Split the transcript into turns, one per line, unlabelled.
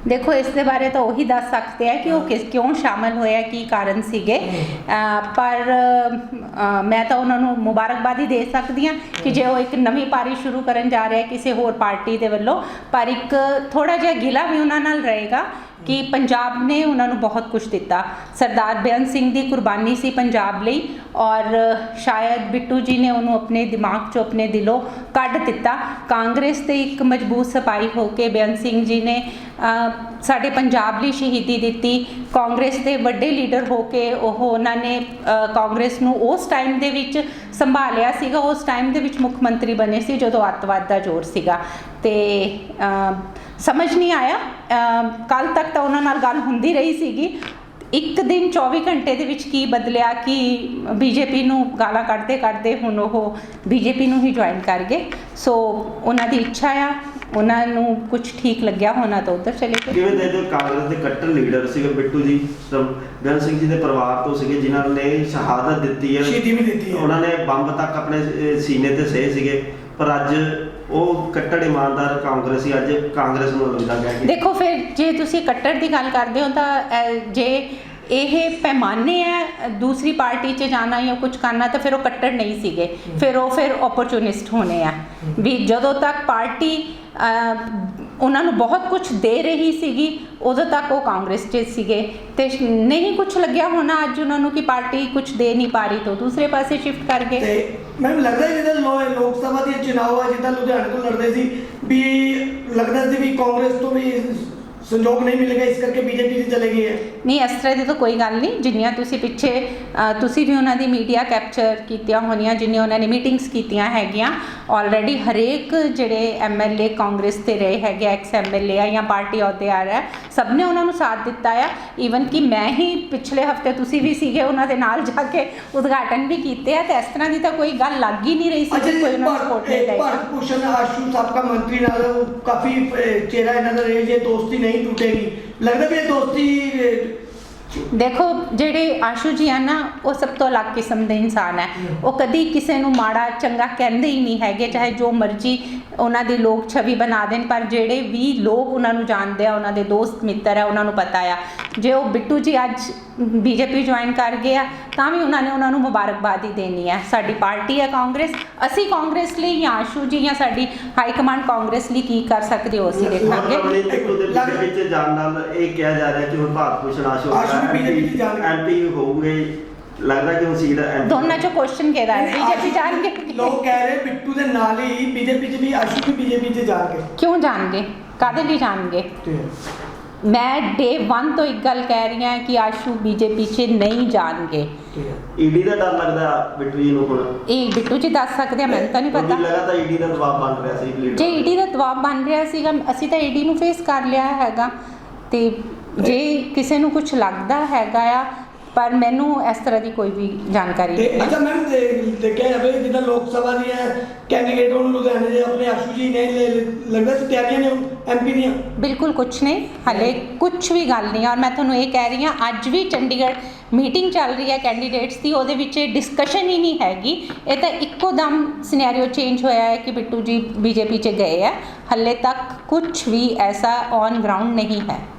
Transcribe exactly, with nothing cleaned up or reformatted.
देखो इस दे बारे तो वही दस सकते हैं कि वो किस क्यों शामिल होया की कारण सीगे पर आ, मैं तो उन्होंने मुबारकबाद ही दे सकती हाँ कि जो एक नवी पारी शुरू करन जा रहे हैं किसी होर पार्टी के वलों पर एक थोड़ा जिहा गिला भी उन्होंने नाल रहेगा कि पंजाब ने उन्होंने बहुत कुछ दिता। सरदार बेअंत सिंह की कुर्बानी सी पंजाब लई और शायद बिट्टू जी ने उन्होंने अपने दिमाग चो अपने दिलों कढ़ दिता। कांग्रेस ते एक मजबूत सपाई होके बेअंत सिंह जी ने साडे पंजाब लई शहीदी दिती। कांग्रेस के वड्डे लीडर होके ओह उन्होंने कांग्रेस नूं उस टाइम दे विच संभालिया सीगा, उस टाइम दे विच मुख मंत्री बने सी जदों अतवाद दा जोर सीगा ते समझ नहीं आया। कल तक तो उन्होंने नाल गल हुंदी रही सीगी, एक दिन चौबी घंटे दे विच की बदलिया कि बीजेपी नूं गालां कढ़दे कढ़दे हुण ओह बीजेपी नूं ही ज्वाइन कर गए। सो उन्हां दी इच्छा आ, उन्हां नूं कुछ ठीक लग्या होना तो उधर चले गए।
किवें दे दो कांग्रेस दे कट्टर लीडर सीगे बिट्टू जी बेअंत सिंह जी दे परिवार तो सीगे जिन्हां ने शहादत दित्ती है,
शहीदी भी दित्ती है,
उन्हां ने बंब तक अपने सीने ते सहे सीगे पर अज ਉਹ ਕੱਟੜ ਇਮਾਨਦਾਰ ਕਾਂਗਰਸੀ ਅੱਜ ਕਾਂਗਰਸ ਨੂੰ ਲੱਗਦਾ ਗਿਆ ਕਿ
ਦੇਖੋ ਫਿਰ ਜੇ ਤੁਸੀਂ ਕੱਟੜ ਦੀ ਗੱਲ ਕਰਦੇ ਹੋ ਤਾਂ ਜੇ ਇਹ ਪੈਮਾਨੇ ਹੈ ਦੂਸਰੀ ਪਾਰਟੀ 'ਚ ਜਾਣਾ ਜਾਂ ਕੁਝ ਕਰਨਾ ਤਾਂ ਫਿਰ ਉਹ ਕੱਟੜ ਨਹੀਂ ਸੀਗੇ, ਫਿਰ ਉਹ ਫਿਰ ਓਪਰਚੁਨਿਸਟ ਹੋਣੇ ਆ ਵੀ ਜਦੋਂ ਤੱਕ ਪਾਰਟੀ ਉਹਨਾਂ ਨੂੰ ਬਹੁਤ ਕੁਝ ਦੇ ਰਹੀ ਸੀਗੀ ਉਦੋਂ ਤੱਕ ਉਹ ਕਾਂਗਰਸ 'ਚ ਸੀਗੇ ਤੇ ਨਹੀਂ ਕੁਝ ਲੱਗਿਆ ਹੋਣਾ ਅੱਜ ਉਹਨਾਂ ਨੂੰ ਕਿ ਪਾਰਟੀ ਕੁਝ ਦੇ ਨਹੀਂ ਪਾ ਰਹੀ ਤਾਂ ਦੂਸਰੇ ਪਾਸੇ ਸ਼ਿਫਟ ਕਰ ਗਏ।
ਤੇ ਮੈਨੂੰ ਲੱਗਦਾ ਜਿੱਦਾਂ ਲੋਕ ਸਭਾ ਦੇ ਚੁਣਾਵ ਆ ਜਿੱਦਾਂ ਲੁਧਿਆਣੇ ਤੋਂ ਲੜਦੇ ਸੀ ਵੀ ਲੱਗਦਾ ਸੀ ਵੀ ਕਾਂਗਰਸ ਤੋਂ ਵੀ संजोग नहीं मिलेगा इस करके बीजेपी से चले गई है।
नहीं इस तरह की तो कोई गल नहीं, जिन्नियां तुसी पिछे तुसी भी उन्होंने मीडिया कैप्चर कीतियां होनियां जिन्नियां उन्होंने मीटिंग्स कीतियां हैगियां ऑलरेडी हरेक जिहड़े एम एल ए कांग्रेस ते रहे हैगे एक्स एम एल ए या पार्टी अहुदेदार है सब ने उन्होंने साथ दिता है। ईवन कि मैं ही पिछले हफ्ते तुसी भी सीगे उन्होंने नाल जाके उद्घाटन भी कीते हैं तो इस तरह की तो कोई गल लग ही नहीं रही सी कि कोई उन्होंने सपोर्ट नहीं करेगा।
भारत भूषण आशु साबका मंत्री नाल काफी चेहरा इन्हां दा रहे जे दोस्ती नहीं टूटेगी, लगता भी दोस्ती
देखो जेडे आशू जी है ना वो सब तो अलग किस्म के इंसान है, वो कभी किसी को माड़ा चंगा कहते ही नहीं है, चाहे जो मर्जी उन्होंने लोग छवि बना दें पर जेडे भी लोग उन्होंने जानते हैं उन्होंने दोस्त मित्र है उन्होंने पता है जे वो बिट्टू जी अज बीजेपी ज्वाइन कर गए तो भी उन्होंने उन्होंने मुबारकबाद ही देनी है। साडी पार्टी है कांग्रेस, असी कांग्रेस लिए या आशू जी या साडी हाई कमांड कांग्रेस लिए की कर सकते हो असी देखांगे।
एमपी होंगे लगदा कि सीट
दोनों चो क्वेश्चन केदा है बीजेपी जाणगे
लोग कह रहे बिट्टू दे नाल ही बीजेपी च भी आशू भी बीजेपी च जाणगे।
क्यों जाणगे, कादे लिए जाणगे? मैं डे वन तो एक गल कह रही हूँ कि आशू बीजेपी च नहीं जाणगे।
ईडी का डर लगदा बिट्टू जी नूं हुण
ਇਹ ਬਿੱਟੂ ਜੀ ਦੱਸ ਸਕਦੇ ਆ, ਮੈਨੂੰ ਤਾਂ ਨਹੀਂ ਪਤਾ।
ਲੱਗਾ ਤਾਂ ਈਡੀ ਦਾ ਦਬਾਅ ਬਣ ਰਿਹਾ ਸੀ,
ਜੇ ਈਡੀ ਦਾ ਦਬਾਅ ਬਣ ਰਿਹਾ ਸੀਗਾ ਅਸੀਂ ਤਾਂ ਈਡੀ ਨੂੰ ਫੇਸ ਕਰ ਲਿਆ ਹੈਗਾ ਤੇ ਜੇ ਕਿਸੇ ਨੂੰ ਕੁਝ ਲੱਗਦਾ ਹੈਗਾ ਆ पर मैनू इस तरह की कोई भी जानकारी नहीं।
अच्छा मैम देखा जाए जिदा लोक सभा दी कैंडीडेट लुधियाने दे अपने आशू जी ने लगता है तैयारियां ने एमपी दी
बिल्कुल कुछ नहीं हले कुछ भी गल नहीं। और मैं तुहानू ये कह रही हाँ अज भी चंडीगढ़ मीटिंग चल रही है कैंडीडेट्स की, ਉਹਦੇ ਵਿੱਚ डिस्कशन ही नहीं हैगी, ये तो इक्को दम सिनेरियो चेंज होया है कि बिट्टू जी बीजेपी च गए हैं, हले तक कुछ भी ऐसा ऑन ग्राउंड नहीं है।